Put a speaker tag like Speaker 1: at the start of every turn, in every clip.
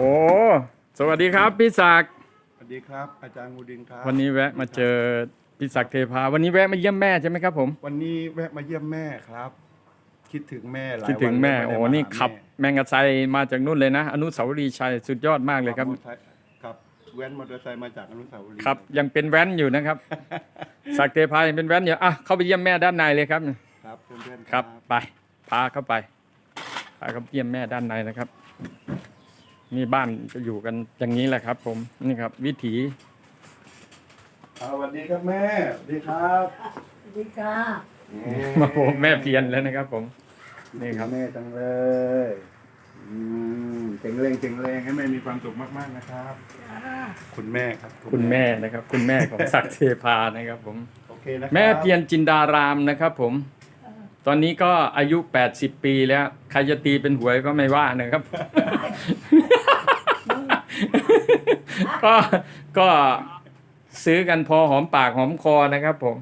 Speaker 1: อ้สวัสดีครับพี่ศักดิ์
Speaker 2: สวัสดีครับอาจารย์งูดินครับ
Speaker 1: วันนี้แวะมาเจอพี่ศักดิ์เทพาวันนี้แวะมาเยี่ยมแม่ใช่ไหมครับผม
Speaker 2: วันนี้แวะมาเยี่ยมแม่ครับคิดถึงแม่หลา
Speaker 1: คิด
Speaker 2: ยวันแล้
Speaker 1: ถึงแม่
Speaker 2: วไม่ได้มา
Speaker 1: นี่
Speaker 2: หา
Speaker 1: ขับ
Speaker 2: แม่
Speaker 1: แมงกะไซมาจากนู่นเลยนะอนุสาวรีย์ชัยสุดยอดมากเลยครับ
Speaker 2: มอเตอร์ไซค์ครับแว้นมอเตอร์ไซค์มาจากอนุสาวรีย์
Speaker 1: ครับยังเป็นแว้นอยู่นะครับ ศักดิ์เทพายังเป็นแว้นอยู่เข้าไปเยี่ยมแม่ด้านในเลยครับ
Speaker 2: ครับเพื่อนๆ
Speaker 1: ครับไปพาเข้าไปพาเข้าไปเยี่ยมแม่ด้านในนะครับนี่บ้านจะอยู่กันอย่างนี้แหละครับ ผมนี่ครับวิถี
Speaker 2: สวัสดีครับแม่สวัสดีครับ
Speaker 3: สวัสดีค่ะ
Speaker 1: มาโอ้แม่เพียนแล้วนะครับ ผมนี่ครับ
Speaker 2: แม่จังเลยเจ๋งเลงให้แม่มีความสุขมากๆนะครับ คุณแม่ครับ
Speaker 1: คุณแม่นะครับ คุณแม่ของศักดิ์เทพานะครับ ผม
Speaker 2: โอเคนะครับ
Speaker 1: แม่เพียรจินดารามนะครับ ผม ตอนนี้ก็อายุ80 ปีแล้ว ใครจะตีเป็นหวยก็ไม่ว่านะครับ ก็ซื้อกันพอหอมปากหอมคอนะครับ ผม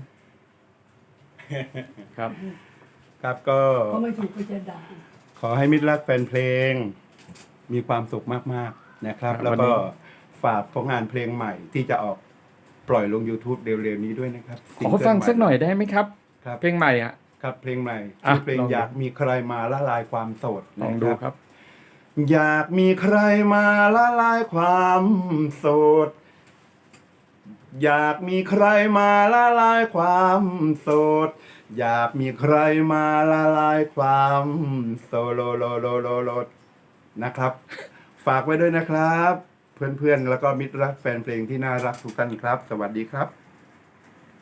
Speaker 1: ครับ
Speaker 2: ครับก็
Speaker 3: เขาไม่ถูกก็จะด่า
Speaker 2: ขอให้มิตรรักแฟนเพลงมีความสุขมากๆนะครับ
Speaker 1: ครับ
Speaker 2: แล้ว
Speaker 1: วัน
Speaker 2: ก็
Speaker 1: นี้
Speaker 2: ฝากผลงานเพลงใหม่ที่จะออกปล่อยลง YouTube เร็วๆนี้ด้วยนะครับ
Speaker 1: ขอฟังสักหน่อยได้ไหมครับ
Speaker 2: ครับ
Speaker 1: เพลงใหม่อ่ะ
Speaker 2: ครับเพลงใหม่
Speaker 1: อ่ะ
Speaker 2: ชื่อเพลง
Speaker 1: ลองดู
Speaker 2: อยากมีใครมาละลายความโสด
Speaker 1: ลอง
Speaker 2: นะ
Speaker 1: ดูครับ
Speaker 2: อยากมีใครมาละลายความโสด อยากมีใครมาละลายความโสด อยากมีใครมาละลายความโซโลโลโลโลโลนะครับ ฝากไว้ด้วยนะครับ เพื่อนๆ แล้วก็มิตรรักแฟนเพลงที่น่ารักทุกท่านครับ สวัสดีครับ